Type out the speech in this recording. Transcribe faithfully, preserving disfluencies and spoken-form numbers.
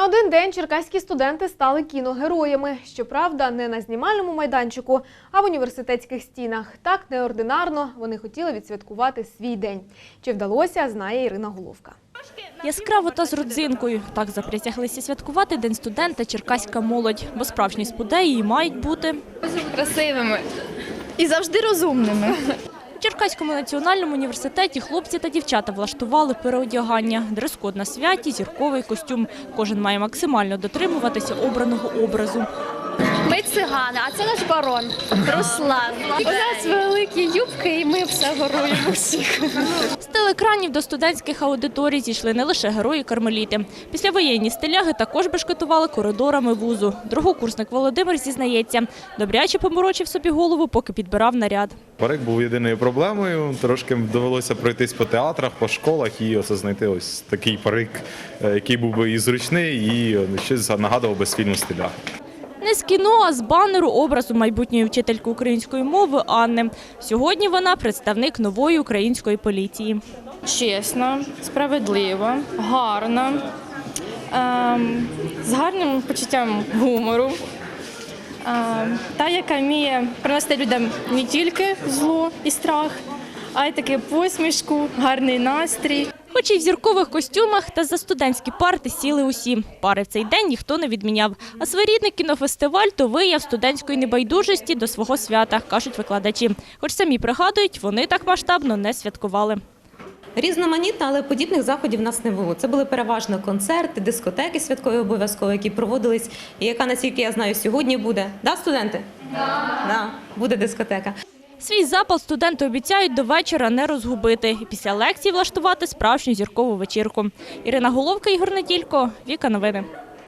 На один день черкаські студенти стали кіногероями. Щоправда, не на знімальному майданчику, а в університетських стінах. Так неординарно вони хотіли відсвяткувати свій день. Чи вдалося, знає Ірина Головка. Яскраво та з родзинкою. Так заприсяглися святкувати День студента черкаська молодь. Бо справжні спудеї мають бути красивими і завжди розумними. У Черкаському національному університеті хлопці та дівчата влаштували переодягання. Дрес-код на святі, зірковий костюм. Кожен має максимально дотримуватися обраного образу. Ми цигани, а це наш барон Руслан. У нас великі юбки і ми все горуємо всіх. З телеекранів до студентських аудиторій зійшли не лише герої-кармеліти. Післявоєнні стиляги також бешкетували коридорами вузу. Другокурсник Володимир зізнається, добряче поморочив собі голову, поки підбирав наряд. Парик був єдиною проблемою, трошки довелося пройтись по театрах, по школах і ось знайти ось такий парик, який був би і зручний, і щось нагадував би з фільму «Стиляга». Не з кіно, а з банеру образу майбутньої вчительки української мови Анни. Сьогодні вона представник нової української поліції. Чесна, справедлива, гарна, ем, з гарним почуттям гумору. Ем, та, яка вміє принести людям не тільки зло і страх, а й таки посмішку, гарний настрій. Хоч і в зіркових костюмах, та за студентські парти сіли усі. Пари в цей день ніхто не відміняв. А своєрідний кінофестиваль – то вияв студентської небайдужості до свого свята, кажуть викладачі. Хоч самі пригадують, вони так масштабно не святкували. Різноманітно, але подібних заходів в нас не було. Це були переважно концерти, дискотеки святкові обов'язково, які проводились, і яка, наскільки я знаю, сьогодні буде. Да, студенти? Да. Да, буде дискотека. Свій запал студенти обіцяють до вечора не розгубити і після лекцій влаштувати справжню зіркову вечірку. Ірина Головка, Ігор Неділько, Віка Новини.